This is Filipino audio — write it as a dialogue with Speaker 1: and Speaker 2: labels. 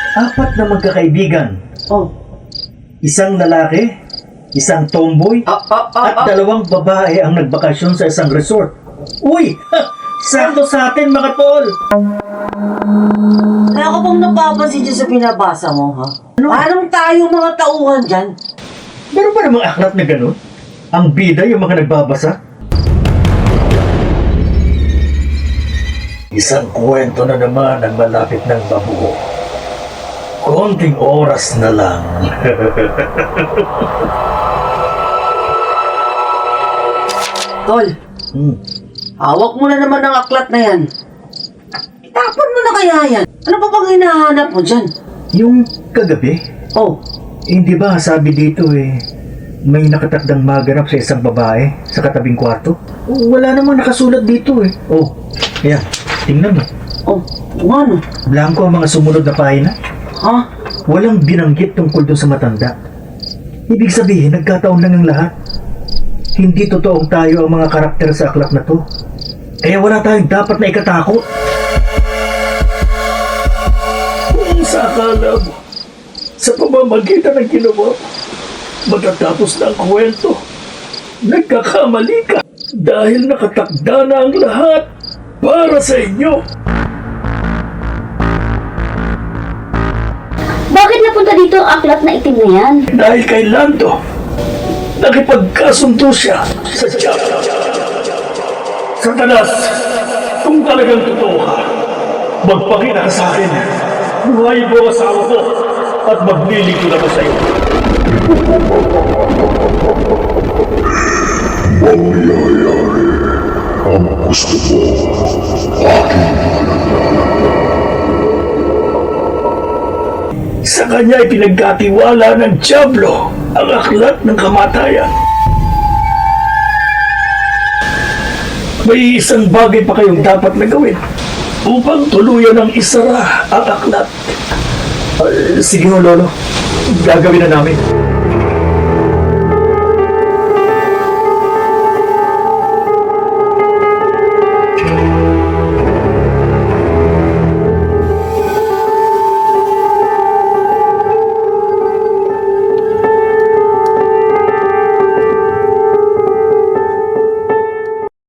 Speaker 1: 4 na magkakaibigan.
Speaker 2: Oh.
Speaker 1: Isang lalaki, isang tomboy, at 2 babae ang nagbakasyon sa isang resort. Uy! Sakto sa atin mga tol!
Speaker 2: Kaya ako pong napapansin dyan sa pinabasa mo, ha?
Speaker 1: Ano?
Speaker 2: Parang tayo mga tauhan dyan.
Speaker 1: Meron ba namang aklat na ganun? Ang bida yung mga nagbabasa? Isang kwento na naman ang malapit ng mabuo. Konting oras na lang.
Speaker 2: Tol, hawak mo na naman ang aklat na yan. Itapon mo na kaya yan. Ano pa bang hinahanap mo dyan?
Speaker 1: Yung kagabi,
Speaker 2: Oh,
Speaker 1: hindi ba sabi dito may nakatakdang maganap sa isang babae sa katabing kwarto? Wala namang nakasulat dito eh. Oh, ayan, tingnan mo.
Speaker 2: oh, kung ano?
Speaker 1: Blanco ang mga sumunod na pahina.
Speaker 2: Ha?
Speaker 1: Walang binanggit tungkol doon sa matanda. Ibig sabihin, nagkataon lang ang lahat. Hindi totoong tayo ang mga karakter sa aklat na to. Kaya wala tayong dapat na ikatakot. Kung sa akala mo, sa pamamagitan ng ginawa, matatapos na ang kwento. Nagkakamali ka dahil nakatakda na ang lahat para sa inyo.
Speaker 3: Bakit napunta dito ang aklat na itim na yan?
Speaker 1: Dahil kay Lando, nakipagkasundo siya sa Diyan. Satanas, kung talagang totoo ka, magpakita ka sa akin. Buhayin mo ang asawa ko at maglilingkod ako sa iyo.
Speaker 4: Mangyayari ang gusto mo. Aking
Speaker 1: Sa kanya ay pinagkatiwala ng Diablo ang aklat ng kamatayan. May isang bagay pa kayong dapat na gawin upang tuluyan ng isara ang aklat. Sige ho, Lolo. Gagawin na namin.